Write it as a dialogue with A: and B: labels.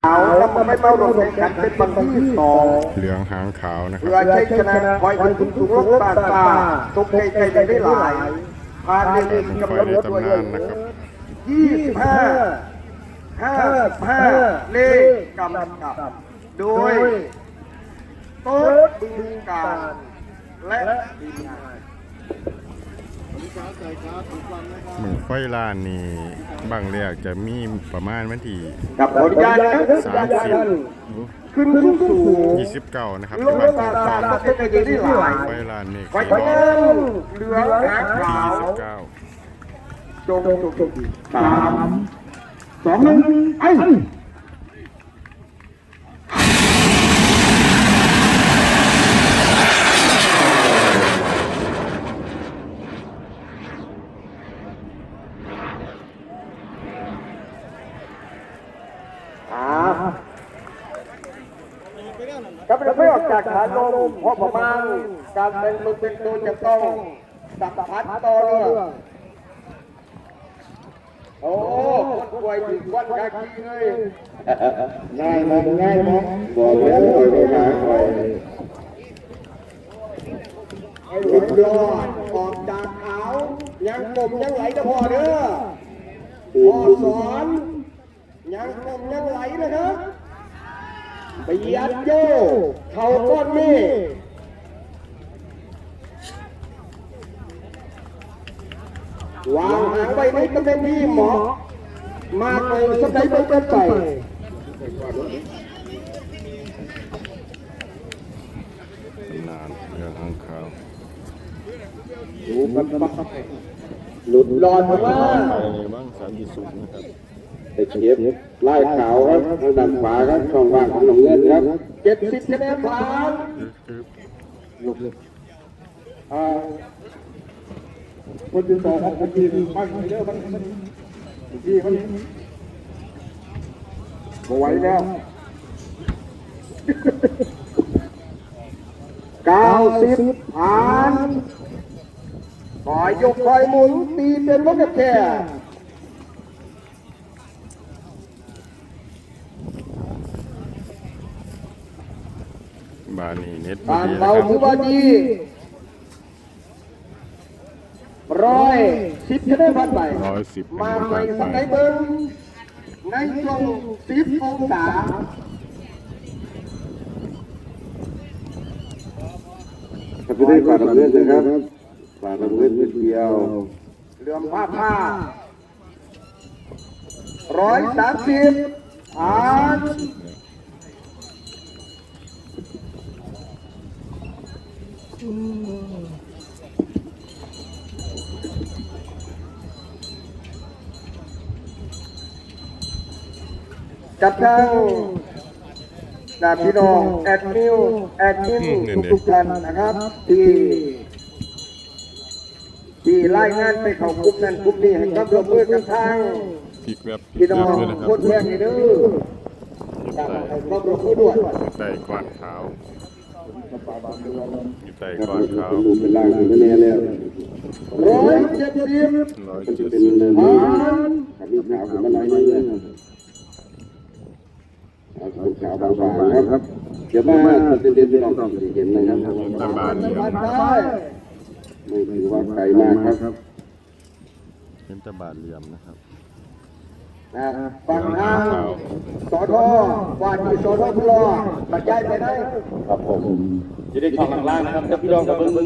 A: ขาวแล้วมันไม่เมาลงแข่งขันเป็นบางที่สอง
B: เหลืองหางขาวนะครั
A: เพื่อบ ใช้ชนะคอยถึงสูงลบตาตาตกใจได้หลายพาเด็กกำลังรถด้วย25 55เลขกำกับโดยโต๊ดบึงการและทีมงาน
B: เหมือนไฟล้านนี่บางแรกจะมีประมาณวันที่
A: กับผลงานขึ้นสู่
B: 29นะครับ
A: ลงตาตาตกใจได้หลาย
B: ไฟล้านนี่
A: ไฟพนันเหลืองหางขาว
B: 29
A: จง3 2 1ไอ้ก็ไม่ออกจากฐานลมเพราะประมาณการเป็นมือเป็นตัวจะต้องสัมผัสต่อเนื่องโอ้คนป่วยถึงวันกากีเลยง่ายมั้ยบอกแล้วไม่ง่ายหลุดรอดออกจากขาวยังกลมยังไหลนะพ่อเด้อพ่อสอนยังกลมยังไหลนะครับไปยัดโย่เขาก้อนนี่วางหางไว้ในตำแหน่งที่เหมาะมากเลยสักใดไปกันไป
B: นานเหลืองหางขาว
A: ดูมันหลุดรอดมาว่า
B: ไปบ้าง30นะครับ
C: ไปเทียบไล่ขาวครับทางด้านขวาครับช่องว่างของหนองเงินครับ
A: 70คะแนนผ่านคนที่สองของคนทีมมันเยอะมันที่มันไม่ไหวแล้ว90ผ่านคอยยกคอยหมุนตีเป็นวักแค่
B: บานนี่เน็ต
A: บ้าน
B: ดีนะ
A: เรา
B: ครับ
A: คือว่าดี110คะแนนผ่านไป
B: 110
A: มาใหม่สักไหนเบิ้งในช่วง10 องศา
C: ครับจะได้ฝากหนองเงินนะครับฝากหนองเงินนิดเดียว
A: เหลื่อมผ้า130ผ่านกับทางพี่น้องแอดมินทุกท่านนะครับที่รายงานไปเข้ากลุ่มนั้นกลุ่มนี้ให้ความร่วมมือกับทาง
B: พลิกแบบ
A: พี่น้อง
B: ด้วยนะครับ
A: คนแรกนี่เด้อการให้ความร่วมมือด้วย
B: ไต่กวาดขาวอยู่ไต่กวาดขาว
C: ดูเป็นล่างเป็นแน่แล้ว
A: 170
C: จะเป็นเนิน
A: ผ่าน
C: ครับมีขาวขึ้นมาหน่อยนึงเอาขาวบางๆครับเดี๋ยวมาเด่นๆต้องเห็นนะครับ
B: ตะบานเหลี่ยม
A: ผ่านได้
C: ไม่ถือว่าไกลมากครับ
B: เป็นตะบานเหลี่ยมนะครับ
A: ฝั่งทางสทว่าที่สทพลบรรยายไปได้
C: ครับผม
D: จะได้ช่องล่างนะครับพี่น้องกับเบิ้ง